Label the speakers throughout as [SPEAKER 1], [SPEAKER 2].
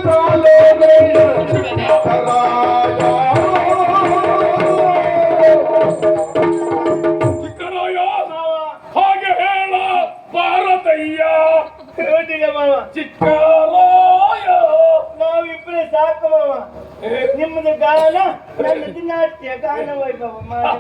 [SPEAKER 1] ಹಾಗೆ ಹೇಳ ಭಾರತಯ್ಯ ಚಿಕ್ಕರಾಯ
[SPEAKER 2] ನಾವಿಬ್ರೆ ಸಾಕು ಮಾವ. ನಿಮ್ಮದು ಗಾನ ನನ್ನದು ನಾಟ್ಯ ಗಾನ ವೈಭವ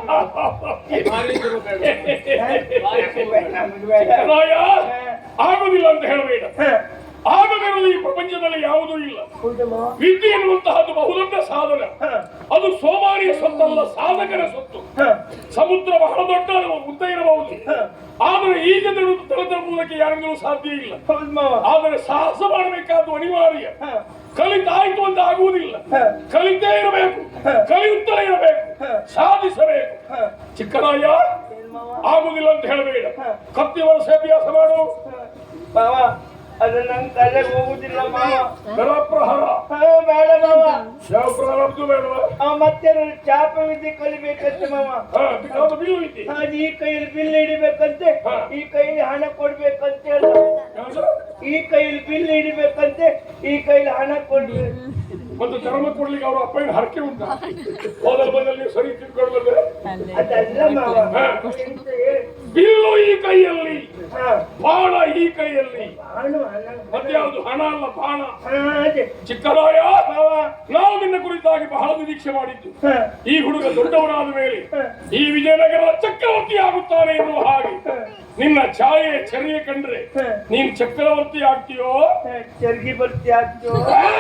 [SPEAKER 1] ಆಗುದಿಲ್ಲ ಅಂತ ಹೇಳಬೇಡ. ಆಗದಿರುವುದು ಈ ಪ್ರಪಂಚದಲ್ಲಿ ಯಾವುದೂ ಇಲ್ಲ. ವಿದ್ಯೆ ಎನ್ನುವಂತಹದ್ದು ಬಹುದೊಡ್ಡ ಸಾಧನ. ಅದು ಸೋಮಾರಿಯ ಸೊತ್ತಲ್ಲ, ಸಾಧಕರ ಸೊತ್ತು. ಸಮುದ್ರ ಬಹಳ ದೊಡ್ಡ ಉದ್ದ ಇರಬಹುದು, ಆದರೆ ಈಗ ತಲುಪುವುದಕ್ಕೆ ಯಾರಿಂದಲೂ ಸಾಧ್ಯ ಇಲ್ಲ. ಆದರೆ ಸಾಹಸ ಮಾಡಬೇಕಾದ್ದು ಅನಿವಾರ್ಯ. ಕಲಿತಾಯ್ತು ಅಂತ ಆಗುವುದಿಲ್ಲ, ಕಲಿತೇ ಇರಬೇಕು, ಕಲಿಯುತ್ತಲೇ ಇರಬೇಕು, ಸಾಧಿಸಬೇಕು. ಚಿಕ್ಕರಾಯ ಆಗುದಿಲ್ಲ ಅಂತ ಹೇಳಬೇಡ. ಕತ್ತಿ ವರ್ಷ ಅಭ್ಯಾಸ ಮಾಡು
[SPEAKER 2] ಮಾವ. ಅದು ನಂಗೆ ತಲೆಗೆ ಹೋಗುದಿಲ್ಲ ಮಾವ.
[SPEAKER 1] ಪ್ರಹಾರ
[SPEAKER 2] ಬೇಡ ಮಾವ.
[SPEAKER 1] ಯಾವ ಪ್ರಾರಂಭ ಬೇಡವಾ?
[SPEAKER 2] ಮತ್ತೆ ಚಾಪ ವಿದ್ಯೆ ಕಲಿಬೇಕಂತೆ ಮಾವ. ಅದು ಈ ಕೈಯಲ್ಲಿ ಬಿಲ್ ಹಿಡಿಬೇಕಂತೆ, ಈ ಕೈಯಲ್ಲಿ ಹಣ ಕೊಡ್ಬೇಕಂತೆ. ಈ ಕೈಯಲ್ಲಿ ಬಿಲ್ ಹಿಡಿಬೇಕಂತೆ, ಈ ಕೈಯಲ್ಲಿ ಹಣ ಕೊಡ್ಬೇಕು.
[SPEAKER 1] ಮತ್ತು ಧರ್ಮ ಕೊಡ್ಲಿಕ್ಕೆ ಅವ್ರ ಅಪ್ಪನ ಹರಕೆ ಉಂಟ. ಹೋದಲ್ ಬಂದಲ್ಲಿ ಸರಿ ತಿಳ್ಕೊಳ್ಬಂದ್ರೆ
[SPEAKER 2] ಅದಲ್ಲ ಮಾವ.
[SPEAKER 1] ಬಿಲ್ಲು ಈ ಕೈಯಲ್ಲಿ, ಬಾಣ ಈ ಕೈಯಲ್ಲಿ. ಮತ್ತೆ ಯಾವುದು ಹಣ ಅಲ್ಲ, ಬಾಣ. ಚಿಕ್ಕರಾಯ ನಾವು ನಿನ್ನ ಕುರಿತಾಗಿ ಬಹಳ ನಿರೀಕ್ಷೆ ಮಾಡಿದ್ದು. ಈ ಹುಡುಗ ದೊಡ್ಡವನಾದ ಮೇಲೆ ಈ ವಿಜಯನಗರದ ಚಕ್ರವರ್ತಿ ಆಗುತ್ತಾನೆ ಎನ್ನುವ ಹಾಗೆ ನಿನ್ನ ಛಾಯೆ ಚರ್ಯೆ ಕಂಡ್ರೆ ನೀನ್ ಚಕ್ರವರ್ತಿ ಆಗ್ತೀಯೋ
[SPEAKER 2] ಚರ್ಗಿ ಬರ್ತಿ ಆಗ್ತೀಯೋ?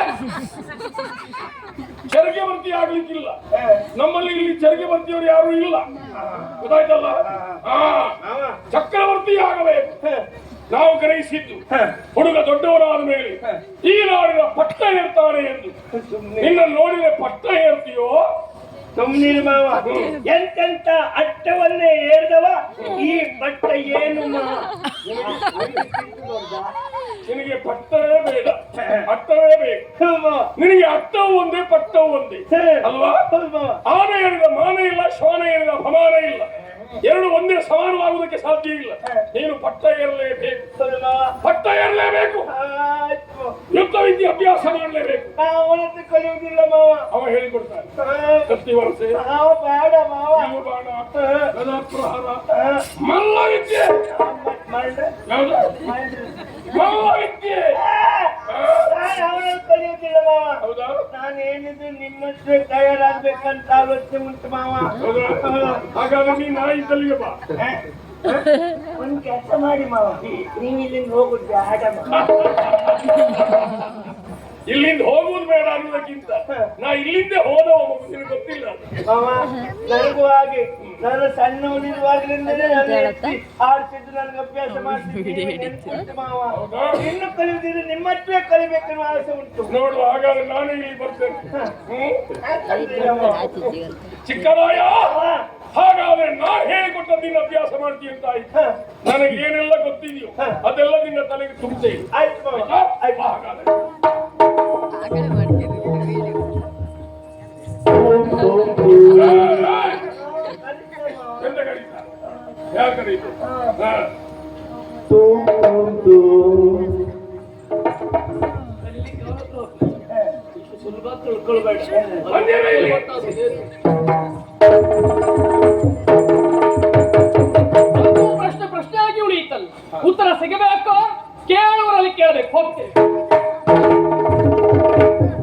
[SPEAKER 1] ಚರಿಗೆ ಬರ್ತಿ ಆಗ್ಲಿಕ್ಕಿಲ್ಲ. ನಮ್ಮಲ್ಲಿ ಇಲ್ಲಿ ಚರಿಗೆ ಬರ್ತಿಯವರು ಯಾರು ಇಲ್ಲ, ಗೊತ್ತಾಯ್ತಲ್ಲ? ಚಕ್ರವರ್ತಿ ಆಗಬೇಕು. ನಾವು ಗ್ರಹಿಸಿದ್ದು ಹುಡುಗ ದೊಡ್ಡವರಾದ ಮೇಲೆ ಈ ನಾಡಿನ ಪಟ್ಟ ಏರ್ತಾನೆ ಎಂದು. ನಿನ್ನ ನೋಡಿದ್ರೆ ಪಟ್ಟ ಏರ್ತೀಯೋ?
[SPEAKER 2] ಸುಮ್ನಿರು ಮಾವ. ಎಂತೆಂತ ಅಟ್ಟವನ್ನೇ ಏರ್ದವ ಈ ಪಟ್ಟ ಏನು
[SPEAKER 1] ನಿನಗೆ ಪಟ್ಟವೇ ಬೇಡ, ಅಟ್ಟವೇ ಬೇಕು. ನಿನಗೆ ಅಟ್ಟವು ಒಂದೇ, ಪಟ್ಟವು ಒಂದೇ ಅಲ್ವಾ? ಆನೆ ಹೇಳಿದ ಮಾನ ಇಲ್ಲ, ಶ್ವಾನ ಹೇಳಿದ ಅಪಮಾನ ಇಲ್ಲ. ಎರಡು ಒಂದೇ ಸಮಾನವಾಗುವುದಕ್ಕೆ ಸಾಧ್ಯ ಇಲ್ಲ. ನೀನು ಪಟ್ಟ ಏರಲೇಬೇಕು, ಪಟ್ಟ ಏರಲೇಬೇಕು. ಯುದ್ಧ ವಿದ್ಯೆ ಅಭ್ಯಾಸ ಮಾಡಲೇಬೇಕು.
[SPEAKER 2] ಅವನದ್ದು ಕಲಿಯುವುದಿಲ್ಲ ಮಾವ.
[SPEAKER 1] ಅವ ಹೇಳಿಕೊಡ್ತಾನೆ. ಕತ್ತಿ ವರಸೆ,
[SPEAKER 2] ಬೇಡ ಮಾವ.
[SPEAKER 1] ಬಾಣ, ಪ್ರಹಾರ, ಮಲ್ಲ ವಿದ್ಯೆ. ಮಲ್ಲ ವಿದ್ಯೆ
[SPEAKER 2] ಅವನನ್ನು ಕಲಿಯುವುದಿಲ್ಲ ಮಾವ.
[SPEAKER 1] ಹೌದಾ?
[SPEAKER 2] ನಾನೇನಿದ್ರು ನಿಮ್ಮಷ್ಟೇ ತಯಾರಾಗ್ಬೇಕಂತ ಆಲೋಚನೆ ಉಂಟು ಮಾವ.
[SPEAKER 1] ಹಾಗಾದ್ರೆ ನೀ ನಾಯಿ ತಲೆಗೆ ಬಾ.
[SPEAKER 2] ಒಂದು ಕೆಲಸ ಮಾಡಿ ಮಾವ, ನೀವು ಇಲ್ಲಿಂದ ಹೋಗುದು ಬೇಡ.
[SPEAKER 1] ಇಲ್ಲಿಂದ ಹೋಗುವುದು ಬೇಡ ಅನ್ನೋದಕ್ಕಿಂತ ನಾ ಇಲ್ಲಿಂದ ಹೋದವ ನಿನಗೆ ಗೊತ್ತಿಲ್ಲ
[SPEAKER 2] ಮಾವ. ನನಗೂ ಹಾಗೆ, ನಾನು ಸಣ್ಣವನಿರುವಾಗಲಿಂದಲೇ ಆಡ್ತಿದ್ದು ನನಗೆ ಅಭ್ಯಾಸ ಮಾಡ್ತಿದ್ದೆ ಮಾವ. ಇನ್ನು ಕಲಿಯುವುದಿದ್ರೆ ನಿಮ್ಮಷ್ಟೇ ಕಲಿಬೇಕೆನ್ನುವ ಆಸೆ ಉಂಟು.
[SPEAKER 1] ನೋಡು, ಹಾಗಾದ್ರೆ ನಾನು ಇಲ್ಲಿ ಬರ್ತೇನೆ. ಚಿಕ್ಕರಾಯ, ಹಾಗಾದ್ರೆ ನಾನು ಹೇಳಿಕೊಟ್ಟ ನಿನ್ನ ಅಭ್ಯಾಸ ಮಾಡ್ತೀನಿ ಅಂತ ಆಯ್ತು. ನನಗೆ ಏನೆಲ್ಲ ಗೊತ್ತಿದೆಯೋ ಅದೆಲ್ಲ ನಿನ್ನ ತಲೆಗೆ ತುಂಬುತ್ತೇನೆ.
[SPEAKER 2] ಆಯ್ತು ಮಾವ.
[SPEAKER 1] ಹಾಗಾದ್ರೆ ಎಂತ ಕರೀತ? ಯಾರು ಕರೀತು?
[SPEAKER 2] ಸುಲಭ ತಿಳ್ಕೊಳ್ಬೇಡ.